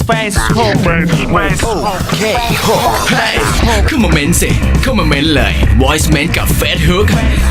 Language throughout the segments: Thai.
Facebook เข้ามาเม้นสิเข้ามาเม้นเลย Voice เม้นกับ Facebook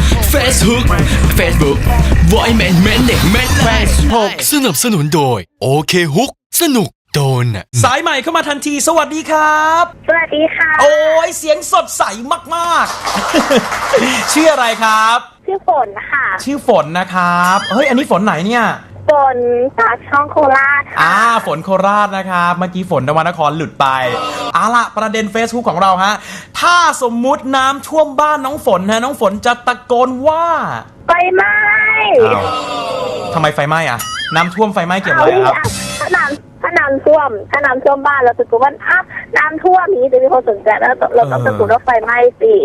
Voice เม้นเม้นเด็กเม้นเลย Facebook สนับสนุนโดยโอเคฮุกสนุกโดนสายใหม่เข้ามาทันทีสวัสดีครับสวัสดีค่ะโอ้ยเสียงสดใสมากๆ ชื่ออะไรครับชื่อฝนค่ะชื่อฝนนะครับเฮ้ยอันนี้ฝนไหนเนี่ยฝนจากช่องโคราชค่ะฝนโคราชนะครับเมื่อกี้ฝนนวนครหลุดไปละประเด็น Facebook ของเราฮะถ้าสมมุติน้ำท่วมบ้านน้องฝนน้องฝนจะตะโกนว่าไฟไหม้ทำไมไฟไหม้อะน้ำท่วมไฟไหม้เกี่ยวอะไรครับถ้าน้ำท่วมบ้านเราตะโกนว่าน้ำท่วมนี้จะมีคนสนใจแล้วเราต้องตะโกนว่าไฟไหม้สิ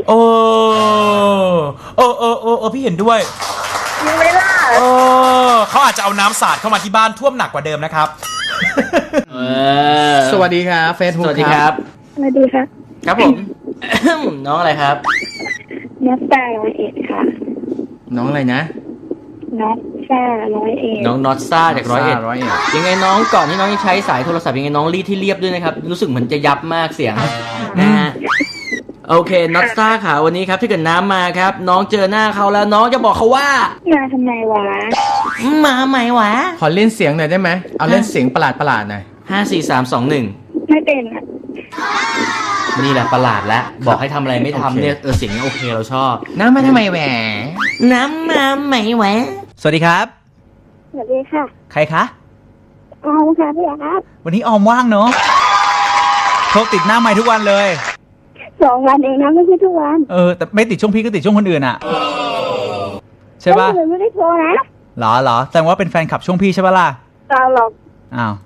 พี่เห็นด้วยยังไม่ล่ะเขาอาจจะเอาน้ำสาดเข้ามาที่บ้านท่วมหนักกว่าเดิมนะครับสวัสดีครับเฟซบุ๊กสวัสดีครับสวัสดีค่ะครับผม น้องอะไรครับนัทแต่101ค่ะน้องอะไรนะนัทแต่101 น้องน็อตซ่าจากร้อยเอ็ด 101 ยังไงน้องก่อนที่น้องจะใช้สายโทรศัพท์ยังไงน้องรีดที่เรียบด้วยนะครับ รู้สึกเหมือนจะยับมากเสียงนะฮะโอเคน็อตซ่าค่ะวันนี้ครับถ้าเกิดน้ำมาครับ น้องเจอหน้าเขาแล้วน้องจะบอกเขาว่ามาทำไมวะมาไหมวะขอเล่นเสียงหน่อยได้ไหมเอาเล่นเสียงประหลาดหน่อย 5 4 3 2 ไม่เป็นอ่ะ 1นี่แหละประหลาดแล้วบอกให้ทำอะไรไม่ทำเนี่ยเสียงนี้โอเคเราชอบน้ำมาทำไมแหวน้ำมาไหมวะสวัสดีครับสวัสดีค่ะใครคะเอาค่ะพี่ครับวันนี้ออมว่างเนาะโทรติดหน้าไมค์ทุกวันเลย 2 วันเองนะไม่ใช่ทุกวันแต่ไม่ติดช่วงพี่ก็ติดช่วงคนอื่นอะใช่ปะไม่ได้โทรนะเหรอแสดงว่าเป็นแฟนคลับช่วงพี่ใช่ปะล่ะเราหรอกอ้าว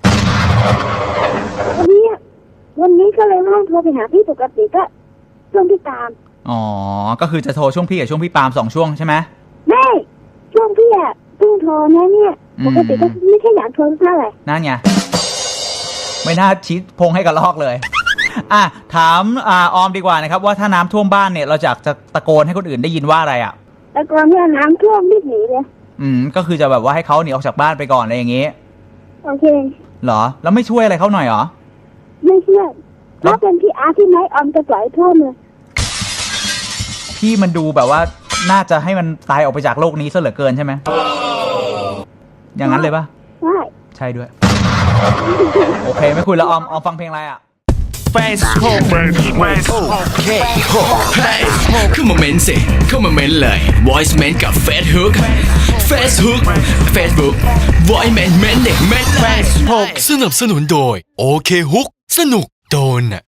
วันนี้ก็เลยไม่ต้องโทรไปหาพี่ปกติก็ช่วงที่ตามอ๋อก็คือจะโทรช่วงพี่กับช่วงพี่ปาล์ม2 ช่วงใช่ไหมไม่ช่วงพี่อ่ะเพิ่งโทรนะเนี่ยปกติก็ไม่ใช่อยากโทรเท่าไหร่นั่นไงไม่น่าชี้พงให้กับลอกเลยถามออมดีกว่านะครับว่าถ้าน้ำท่วมบ้านเนี่ยเราจะตะโกนให้คนอื่นได้ยินว่าอะไรอ่ะแต่ก่อนเนี่ยน้ำท่วมรีบหนีเลยก็คือจะแบบว่าให้เขาหนีออกจากบ้านไปก่อนอะไรอย่างงี้โอเคเหรอแล้วไม่ช่วยอะไรเขาหน่อยเหรอไม่เชื่อถ้าเป็นพี่อาร์ที่ไม้ออมจะปล่อยท่วมเลยพี่มันดูแบบว่าน่าจะให้มันตายออกไปจากโลกนี้ซะเหลือเกินใช่ไหมอย่างนั้นเลยปะใช่ใช่ด้วย โอเคไม่คุยแล้วออมฟังเพลงอะไรอ่ะ Facebook เข้ามาเม้นสิเข้ามาเม้นเลย Voice เม้นกับ Facebook Voice เม้นเม้นเด็กเม้นเลย Facebook สนับสนุนโดยโอเคฮุกสนุกโดน